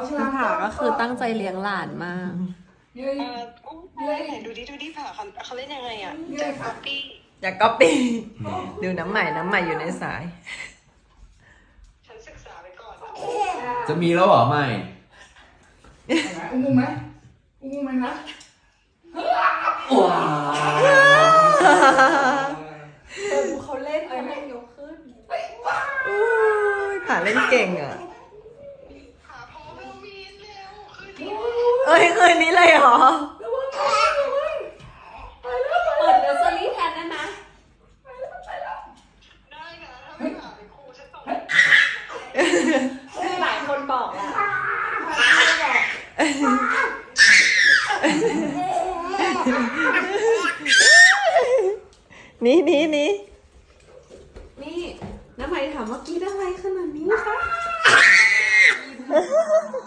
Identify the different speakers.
Speaker 1: ภูผาก็คือตั้งใจเลี้ยงหลานมาก
Speaker 2: ไหนดูดิผ่าเขาเล่นยังไงอ่ะจากก๊อปปี้
Speaker 3: อยากก๊อปปี้ดูน้ำใหม่อยู่ในสาย
Speaker 2: ฉันศึกษาไปก่อน
Speaker 4: จะมีแล้วเหรอไม่
Speaker 5: อุ้มไหมนะ
Speaker 4: ว้า
Speaker 1: เขาเล่นเขายกขึ้น
Speaker 3: ผ่าเล่นเก่งอ่ะ
Speaker 2: หาพ่อแม่มีนเร็วคืนนี้
Speaker 3: เอ้ยคืนนี้เลยเหรอ
Speaker 1: เปิดเนอร์เซอรี่แทนได้ไหม
Speaker 2: ได้นะถ้าไม่หาเป็นครูฉันส่ง
Speaker 1: คือหลายคนบอกแหละ
Speaker 3: นี่
Speaker 1: นี่น้ำใหม่ถามว่ากินอะไรขนาดนี้คะ